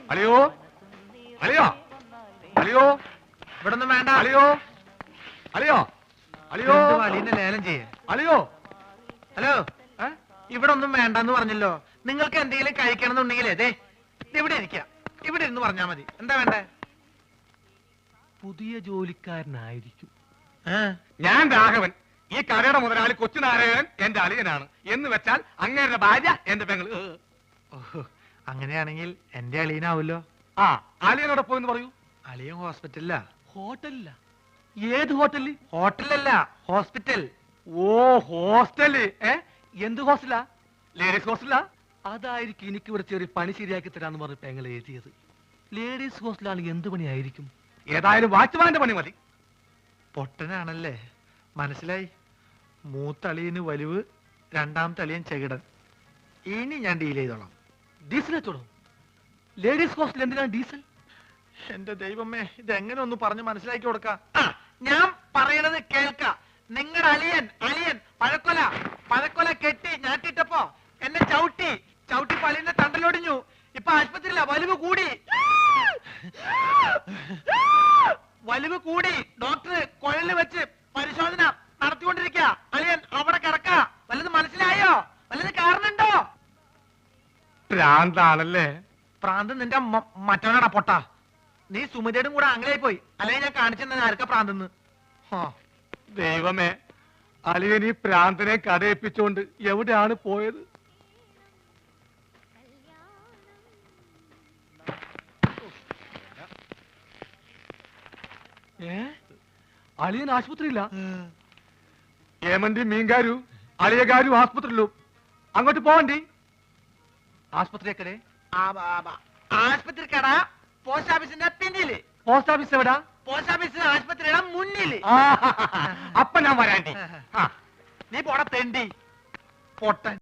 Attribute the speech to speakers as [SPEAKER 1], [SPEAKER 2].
[SPEAKER 1] അളിയോ അളിയോ അളിയോ
[SPEAKER 2] ഇവിടെ ഒന്നും വേണ്ട.
[SPEAKER 1] അളിയോ അളിയോ അളിയോ
[SPEAKER 2] അലീനെ ലേലം ചെയ്യേ.
[SPEAKER 1] അളിയോ.
[SPEAKER 2] ഹലോ, ഇവിടെ ഒന്നും വേണ്ടെന്ന് പറഞ്ഞല്ലോ. നിങ്ങൾക്ക് എന്തെങ്കിലും കഴിക്കണം എന്നുണ്ടെങ്കിലേ ദേ ഇവിടെ ഇരിക്കാം. ഇവിടെ ഇരുന്ന് പറഞ്ഞാ മതി. എന്താ വേണ്ടേ?
[SPEAKER 1] പുതിയ ജോലിക്കാരനായിരിക്കും. ഞാൻ രാഘവൻ. ഈ കടയുടെ മുതലാളി കൊച്ചുനാരായണൻ എന്റെ അളിയനാണ്. എന്ന് വെച്ചാൽ അങ്ങേരുടെ ഭാര്യ എന്റെ പെങ്ങള്.
[SPEAKER 2] അങ്ങനെയാണെങ്കിൽ എന്റെ അളിയനാവൂല്ലോ.
[SPEAKER 1] ആ, അളിയനോടെ പോയെന്ന് പറയൂ.
[SPEAKER 2] അളിയൻ ഹോസ്പിറ്റലിലാ.
[SPEAKER 1] ഹോട്ടലില്ല. ഏത് ഹോട്ടലിൽ?
[SPEAKER 2] ഹോട്ടലല്ല, ഹോസ്പിറ്റൽ.
[SPEAKER 1] ഓ, ഹോസ്റ്റല്. എന്ത് ഹോസ്റ്റലാ? ലേഡീസ് ഹോസ്റ്റലാ? അതായിരിക്കും എനിക്ക് ഇവിടെ ചെറിയ പണി ശരിയാക്കി തരാന്ന് പറഞ്ഞ് പെങ്ങൾ എഴുതിയത്. ലേഡീസ് ഹോസ്റ്റലാണെങ്കിൽ എന്ത് പണിയായിരിക്കും? ഏതായാലും വാച്ച്മാന്റെ പണി മതി.
[SPEAKER 2] പൊട്ടനാണല്ലേ, മനസ്സിലായി. മൂത്തളിയന് വലിവ്, രണ്ടാമത്തെ അളിയൻ ചെകിടൻ. ഇനി ഞാൻ ഡീൽ ചെയ്തോളാം.
[SPEAKER 1] ഡീസൽ വെച്ചോളൂ. ലേഡീസ് ഹോസ്റ്റൽ എന്തിനാണ് ഡീസൽ?
[SPEAKER 2] എന്റെ ദൈവമേ, ഇതെങ്ങനെ ഒന്ന് പറഞ്ഞ് മനസ്സിലാക്കി കൊടുക്കാം. ഞാൻ പറയണത് കേൾക്ക. നിങ്ങളുടെ അളിയൻ അളിയൻ പഴക്കൊല കെട്ടി ഞാറ്റിട്ടപ്പോ എന്നെ ചവിട്ടി പള്ളിന്റെ തണ്ടലൊടിഞ്ഞു. ഇപ്പൊ ആശുപത്രിയില്ല. വലിവ് കൂടി ഡോക്ടർ കുഴലിൽ വെച്ച് പരിശോധന നടത്തിക്കൊണ്ടിരിക്കുക. അളിയൻ അവിടെ കിടക്ക. വല്ലത് മനസ്സിലായോ? വല്ലത് കാരണുണ്ടോ?
[SPEAKER 1] ഭ്രാന്താണല്ലേ?
[SPEAKER 2] പ്രാന്ത് നിന്റെ മറ്റവനാടാ പൊട്ട. നീ സുമിതയുടെ കൂടെ ആംഗ്ലായി പോയി. അല്ലെങ്കിൽ ഞാൻ കാണിച്ചെന്ന ആർക്കാ പ്രാന്തെന്ന്.
[SPEAKER 1] ദൈവമേ, അളിയൻ ഈ പ്രാന്തനെ കഥയിപ്പിച്ചോണ്ട് എവിടെയാണ് പോയത്? അളിയൻ ആശുപത്രിയില്ല. ഏമന്റി മീൻകാരു അളിയകാരു ആസ്പത്രിയിലു. അങ്ങോട്ട് പോവണ്ടി. ആസ്പത്രി എക്കടെ?
[SPEAKER 2] ആശുപത്രിക്കട പോസ്റ്റ് ഓഫീസിന്റെ പിന്നില്.
[SPEAKER 1] പോസ്റ്റ് ഓഫീസ് എവിടാ?
[SPEAKER 2] പോസ്റ്റ് ഓഫീസ് ആശുപത്രിയുടെ മുന്നില്.
[SPEAKER 1] അപ്പൊ ഞാൻ വരാണ്ടി.
[SPEAKER 2] നീ പോടാ തെണ്ടി പൊട്ടൻ.